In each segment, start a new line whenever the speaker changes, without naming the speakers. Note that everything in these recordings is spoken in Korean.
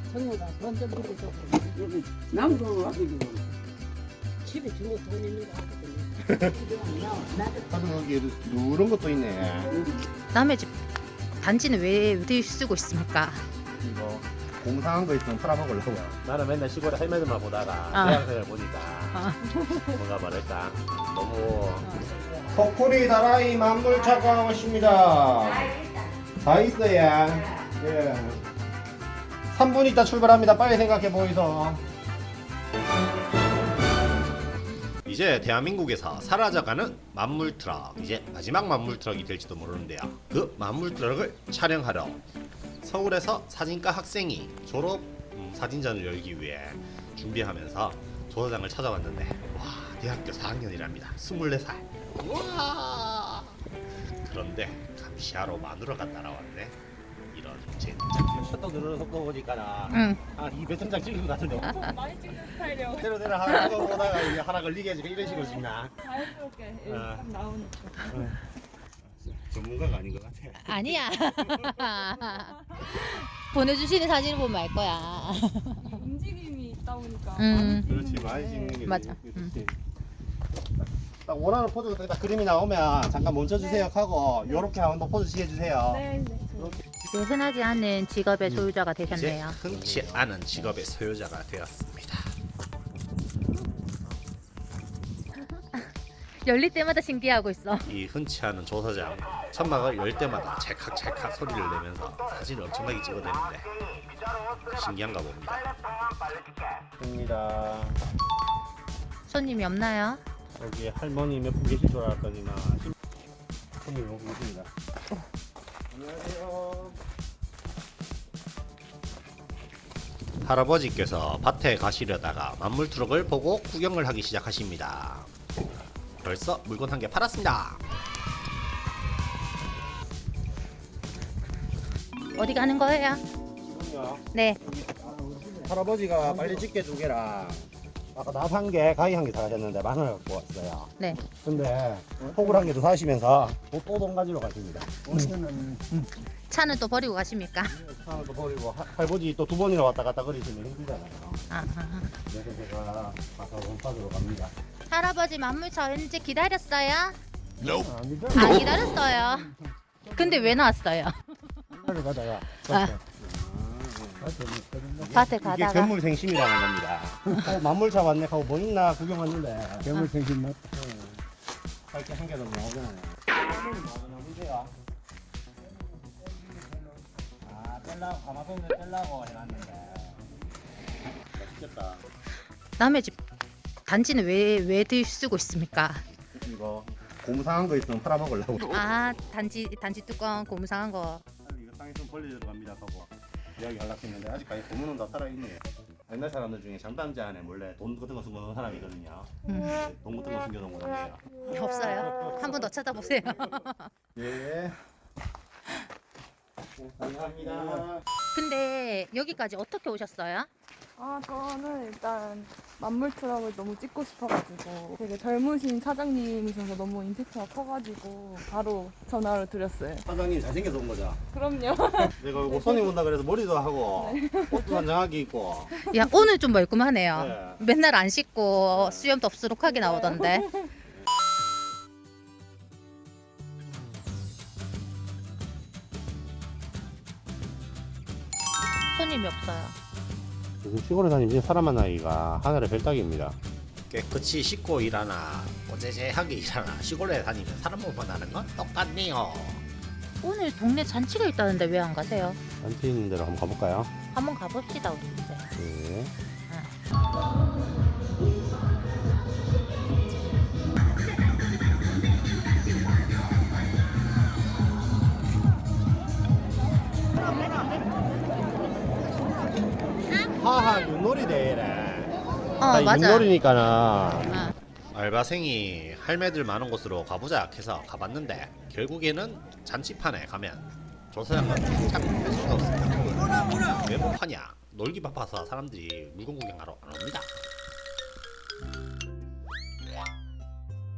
성우가 먼저 물어줘.
여기 남도 아들도
집에 주고 돈 있는 거 하거든요.
하도 여기 누런 것도 있네.
남의 집 단지는 왜 어디 쓰고 있습니까?
이거 공사한 거 있으면 팔아먹으려고요.
나는 맨날 시골에 할매들만 보다가
아.
대학생을 보니까
아.
뭔가 말할까 너무
코코리 다라이 만물차가 오십니다. 다 있어요. 예. 3분 있다 출발합니다. 빨리 생각해 보이소.
이제 대한민국에서 사라져가는 만물 트럭, 이제 마지막 만물 트럭이 될지도 모르는데요. 그 만물 트럭을 촬영하러 서울에서 사진과 학생이 졸업 사진전을 열기 위해 준비하면서 조사장을 찾아왔는데, 와, 대학교 4학년이랍니다. 24살. 우와. 그런데 감시하러 마누라가 따라왔네. 이런 젠장. 셔터 누르는 속도 보니까
응.
한 200장 찍은 것 같은데.
많이 찍는 스타일이요.
대로 대로 하나 보다가 이제 하나 걸리게 해주고 이런 식으로 찍나?
자연스럽게 딱 나오는 쪽.
전문가가 아닌 것 같아.
아니야. 보내주시는 사진을 보면 알 거야.
움직임이 있다 보니까.
그렇지, 많이 찍는 게
맞아.
그렇지.
딱 원하는 포즈가 딱 그림이 나오면 잠깐 멈춰주세요 하고 요렇게 한번 포즈 취해주세요.
네, 네.
이제 흔하지 않은 직업의 소유자가
이제
되셨네요.
흔치 않은 직업의 소유자가 되었습니다.
열릴 때마다 신기하고 있어.
이 흔치 않은 조사장, 천막을 열 때마다 찰칵찰칵 소리를 내면서 사진을 엄청나게 찍어대는데 신기한가 봅니다.
입니다.
손님이 없나요?
여기 할머니 몇 분 계실 줄 알았더니만 손님이 오고 계십니다.
안녕하세요.
할아버지께서 밭에 가시려다가 만물 트럭을 보고 구경을 하기 시작하십니다. 벌써 물건 한 개 팔았습니다.
어디 가는 거예요?
지금요.
네.
할아버지가 빨리 집게 2개랑 아까 납 1개, 가위 1개 사가셨는데 10,000원 갖고 왔어요.
네.
근데 폭을 1개 더 사시면서 또 돈 가지러 가십니다.
차는 또 버리고 가십니까?
하나 더 버리고 할아버지 또 2번이나 왔다 갔다 거리시면 힘들잖아요.
아.
그래서 제가 가서 돈 받으러 갑니다.
할아버지 만물차 왠지 기다렸어요?
아니죠?
안 기다렸어요. 근데 왜 나왔어요?
하러 가다가
밭에
이게
가다가.
견물생심이라는 겁니다. 만물차 왔네 하고 뭐 있나 구경 왔는데
괴물생심 맛.
할게 한 개도 나오잖아요. 나오세요. 아, 뺄라고 가마솥을 뺄라고 해놨는데 맛있겠다.
남의 집 단지는 왜 어디 쓰고 있습니까?
이거 곰상한 거 있으면 팔아먹으려고.
아, 단지 뚜껑 고무상한 거.
이거 상했으면 벌리러 갑니다 하고 이야기 하려고 했는데 아직까지 고문은 다 살아있네요. 옛날 사람들 중에 장담지 안에 몰래 돈 같은 거 숨겨놓은 사람이 있거든요. 돈 같은 거 숨겨놓은 거 같네요.
없어요. 한 번 더 찾아보세요.
예. 감사합니다.
근데 여기까지 어떻게 오셨어요?
아, 저는 일단 만물 트럭을 너무 찍고 싶어가지고 되게 젊으신 사장님이셔서 너무 임팩트가 커가지고 바로 전화를 드렸어요.
사장님 잘생겨서 온 거죠?
그럼요.
내가 이거 손님 온다 그래서 머리도 하고 옷도 단정하게 입고
야, 오늘 좀 멀끔하네요.
네.
맨날 안 씻고 수염 덥수룩하게 나오던데. 손님이 없어요.
요즘 시골에 다니면 사람 만나기가 하늘의 별따기입니다. 깨끗이 씻고 일하나 꼬재재하게 일하나 시골에 다니면 사람 못 만나는 건 똑같네요.
오늘 동네 잔치가 있다는데 왜 안 가세요?
단체 있는 데로 한번 가볼까요?
한번 가봅시다, 우리 이제.
네.
하하 윷놀이 대회래.
어, 맞아.
윷놀이니까는
어.
알바생이 할매들 많은 곳으로 가보자 해서 가봤는데 결국에는 잔치판에 가면 조사장은 참할 수가 없습니다. 왜 못 파냐? 놀기 바빠서 사람들이 물건 구경하러 안 옵니다.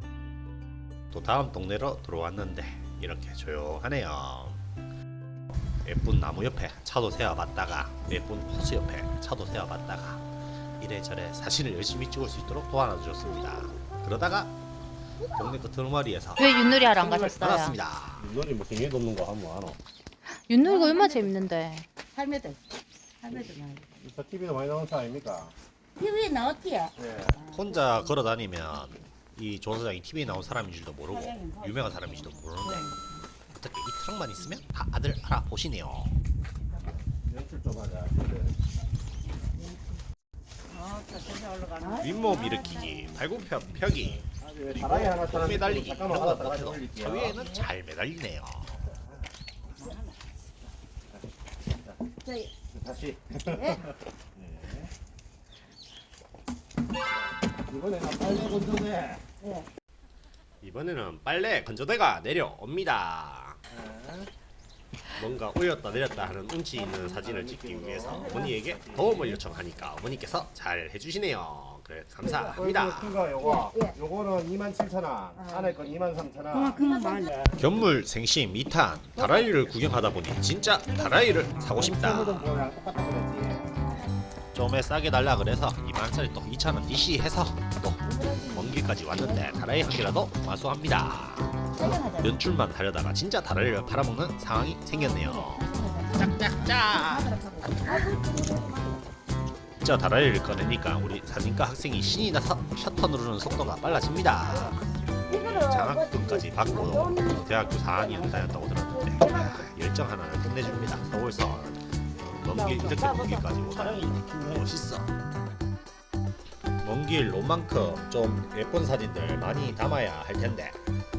또 다음 동네로 들어왔는데 이렇게 조용하네요. 예쁜 나무 옆에 차도 세워봤다가 예쁜 호수 옆에 차도 세워봤다가 이래저래 사진을 열심히 찍을 수 있도록 도와주셨습니다. 그러다가 동네 끝머리에서
왜 윷놀이 하러 안 가셨어요?
만났습니다.
윷놀이 뭐 생애 돕는 거 하면 안 와.
윷놀이가 얼마나 재밌는데.
할매들 많이.
인스타 TV도 많이 나오는 차 아닙니까?
TV에 나왔지야.
예.
혼자 걸어다니면 이 조사장이 TV에 나온 사람인 줄도 모르고 유명한 사람인 줄도 모르는데 어떻게 이 트럭만 있으면 다들 알아보시네요.
연출 좀 하자.
윗몸 일으키기, 발굽 펴기, 그리고
다라이 하나
매달리기
잠깐만
이런 건
하나
못해도
올릴게요.
저 위에는 잘 매달리네요.
다시. 네. 이번에는 빨래 건조대.
이번에는 빨래 건조대가 내려옵니다. 뭔가 올렸다 내렸다 하는 운치 있는 사진을 찍기 위해서 어머니에게 도움을 요청하니까 어머니께서 잘 해주시네요. 그래 감사합니다.
큰거 요거. 요거는 27,000원. 안에 건 23,000원.
견물 생심 2탄 다라이를 구경하다 보니 진짜 다라이를 사고 싶다.
그거랑 똑같다 그랬지.
좀에 싸게 달라 그래서 2만원짜리 또 2,000원 DC해서 또 먼 길까지 왔는데 다라이 한 개라도 마수합니다. 연출만 하려다가 진짜 다라이를 팔아먹는 상황이 생겼네요. 짝짝짝. 저 다라이를 꺼내니까 우리 사진과 학생이 신이 나서 셔터 누르는 속도가 빨라집니다. 장학금까지 받고 대학교 4학년 다녔다고 들었는데 열정 하나를 끝내줍니다. 서울선 먼 길 이렇게 먼 길까지 오다니 멋있어. 먼 길 로만큼 좀 예쁜 사진들 많이 담아야 할 텐데.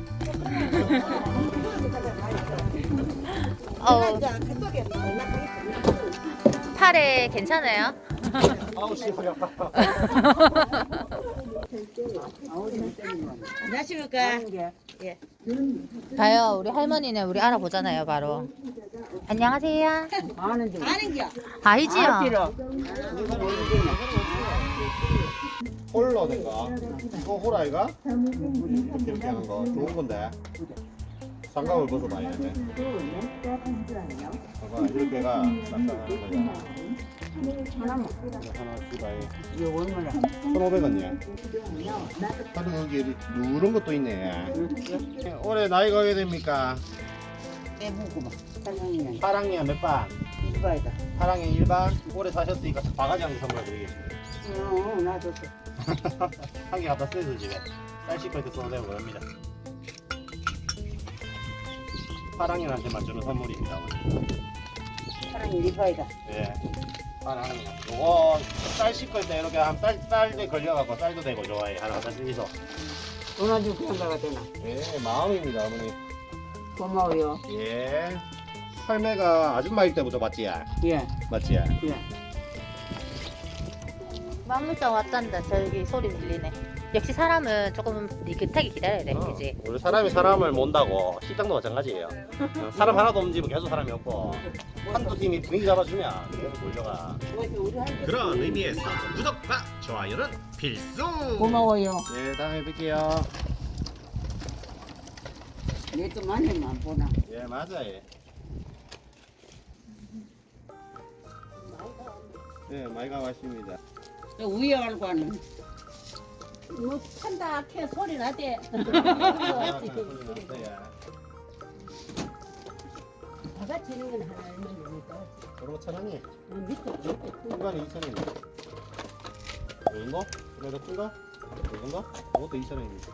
팔에 괜찮아요?
아우 씨 허리 아파.
안녕하십니까.
봐요, 우리 할머니는 우리 알아보잖아요, 바로. 안녕하세요.
아는겨.
아이지요.
홀러든가 이거 홀아이가? 이렇게 하는 거 좋은 건데 장갑을 벗어봐야 돼. 봐봐 이렇게가 싹싹하는 거야. 하나 주바이.
이거 얼마나?
1,500원이야. 하도 여기 누런 것도 있네. 올해 나이가 어떻게 됩니까?
빼보고 막. 사장님,
8학년 몇 반?
이거이다.
8학년 1반? 올해 사셨으니까 바가지 한 개 선물 드리겠습니다.
나도
한 개 갖다 쓰세요 집에. 쌀 씻을 때 써도 되고 그럽니다. 8학년한테만 주는 선물입니다. 오늘.
사장님 이거이다.
예. 8학년. 요거 쌀 씻을 때 이렇게 한 쌀에 걸려갖고 쌀도 되고 좋아해. 하나 갖다 쓰기서.
전화주 그냥 가야 되나?
예, 마음입니다 어머니.
고마워요.
예. 할매가 아줌마일 때부터 봤지?
예,
맞지?
예.
만물장 왔단다. 저기 소리 들리네. 역시 사람은 조금 느긋하게 기다려야 돼, 그지?
우리 사람이 사람을 몬다고 식당도 마찬가지예요. 사람 하나도 없는 계속 사람이 없고 한두 팀이 분위기 잡아주면 계속 몰려가.
그런 의미에서 구독과 좋아요는 필수.
고마워요.
예, 다음에 뵐게요.
얘도 많이만 보나?
예, 맞아요. 네, 많이 가봤습니다.
위에 알고 하는.
뭐 판다 캐 소리 나대. 바가 치는 건 하나 얼마입니까?
그리고 1,000원이.
밑에
큰 거는 2,000원이네. 이런 거? 그래도 큰 거? 이런 거? 그것도 2,000원입니다.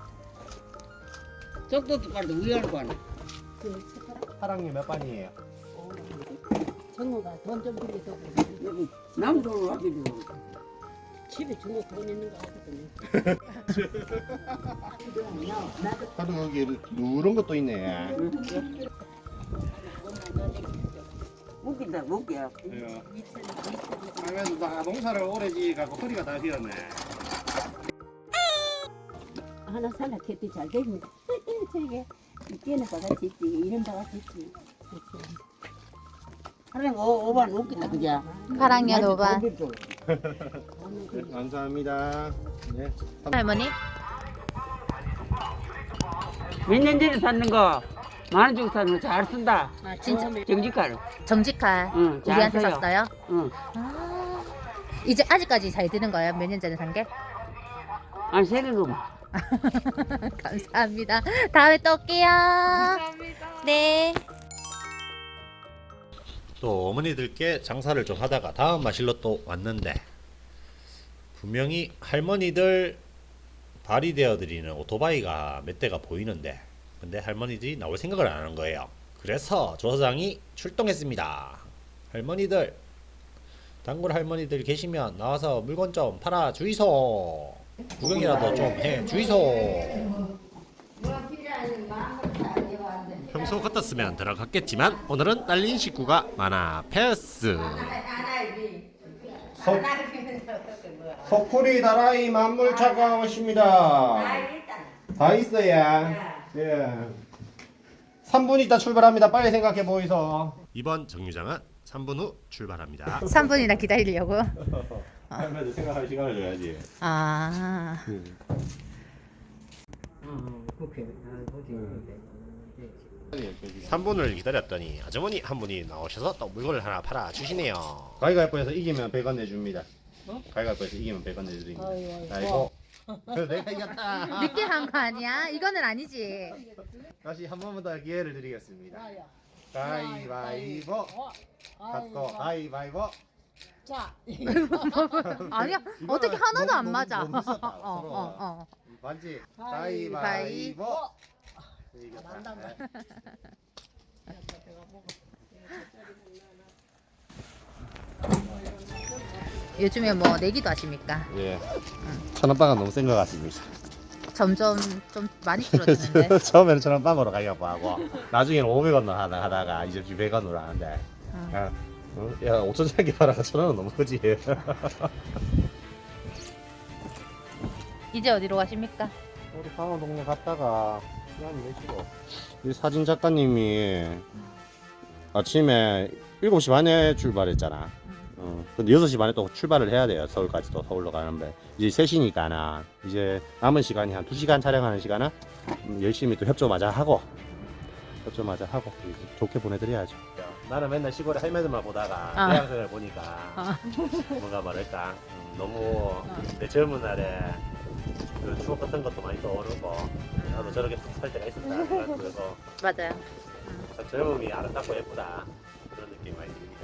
적도 똑같은데 위에 알고 하는.
그
8학년 몇 반이에요?
정우가 돈 좀 빌려줘.
여기 남도로 와가지고.
집에 정우 돈 있는 거 알거든요.
하도 여기 누런 것도 있네.
웃긴다, 웃겨.
그래도 나 농사를 오래 지어갖고 허리가 다 휘었네.
하나 살라 캐도 잘 됩니다. 저게 이때는 바가지 있지. 이런 바가지 있지.
하루에 5반 웃긴다, 그죠?
8학년 5반.
네, 감사합니다. 네.
할머니?
몇 년 전에 샀는 거? 만원 주고 사는 잘 쓴다.
아 진짜
정직하로.
정직한
응, 잘
우리한테
써요.
샀어요?
응.
아, 이제 아직까지 잘 드는 거예요? 몇 년 전에 산 게?
한 세개 넘어.
감사합니다. 다음에 또 올게요.
감사합니다.
네.
또 어머니들께 장사를 좀 하다가 다음 마실로 또 왔는데 분명히 할머니들 발휘되어 드리는 오토바이가 몇 대가 보이는데 근데 할머니들이 나올 생각을 안 하는 거예요. 그래서 조사장이 출동했습니다. 할머니들, 단골 할머니들 계시면 나와서 물건 좀 팔아 주이소. 구경이라도 좀 해 주이소. 평소 같았으면 들어갔겠지만 오늘은 딸린 식구가 많아 패스. 소쿠리 다라이 만물차가 오십니다. 다 있어요. 예. 3분 있다 출발합니다. 빨리 생각해 보이소. 이번 정류장은 3분 후 출발합니다.
3분이나 기다리려고?
할머니들 생각할 시간을 줘야지.
아.
3분을 기다렸더니 아주머니 한 분이 나오셔서 또 물건을 하나 팔아 주시네요. 가위바위보에서 이기면 100원 내줍니다. 가위바위보에서 이기면 100원 내드립니다. 아이고. 그래서 내가 이겼다.
늦게 한 거 아니야? 이거는 아니지.
다시 한 번만 더 기회를 드리겠습니다. 가위바위보. 갖고 가위바위보.
아니야. 어떻게 하나도 안 맞아.
너무 비싸다, 서로. 반지. 가위바위보. 이겼다.
요즘에 뭐 내기도 하십니까?
예. 1,000원빵은 너무 센 것 같습니다.
점점 좀 많이 줄어드는데.
처음에는 1,000원빵으로 가려고 하고 나중에는 500원으로 하다가 이제 100원으로 하는데 야, 5천짜리 팔아가 1,000원은 너무 크지.
이제 어디로 가십니까?
우리 강원 동네 갔다가 시간이 되시고 이 사진 작가님이 아침에 7시 반에 출발했잖아. 근데 6시 반에 또 출발을 해야 돼요. 서울까지 또 서울로 가는데 이제 3시니까 이제 남은 시간이 한 2시간 촬영하는 시간은 열심히 또 협조마저 하고 좋게 보내드려야죠. 나는 맨날 시골에 할매들만 보다가 대학생을 보니까 뭔가 말할까 너무 내 젊은 날에 그 추억 같은 것도 많이 떠오르고 나도 저렇게 살 때가 있었다. 그래서
맞아요.
참 젊음이 아름답고 예쁘다 그런 느낌이 많이 듭니다.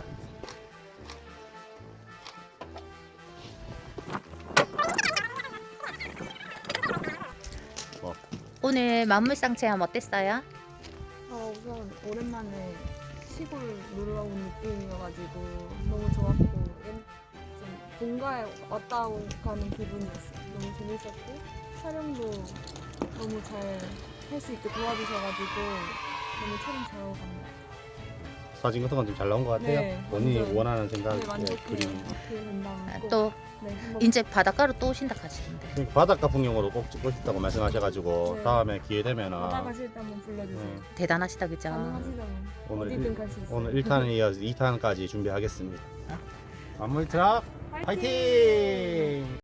오늘 만물상 체험 어땠어요?
우선 오랜만에 시골 놀러 온 느낌이어가지고 너무 좋았고 좀 본가에 왔다 가는 기분이었어요. 너무 재밌었고 촬영도 너무 잘 할 수 있게 도와주셔가지고 너무 촬영 잘하고 갑니다.
사진 같은 건 좀 잘 나온 것 같아요.
네,
본인이
완전.
원하는 생각
네, 만족해요.
그림.
어떻게 된다면 꼭,
또
네, 한번
이제 바닷가로 또 오신다 하시는데.
바닷가 풍경으로 꼭 찍고 싶다고 말씀하셔가지고
네.
다음에 기회 되면은
바다 가실 때 한번 불러주세요.
대단하시다 그죠?
가능하시다면
오늘
어디든 갈 수 있어요.
오늘 1탄에 이어서 2탄까지 준비하겠습니다. 만물 트럭
화이팅!
파이팅!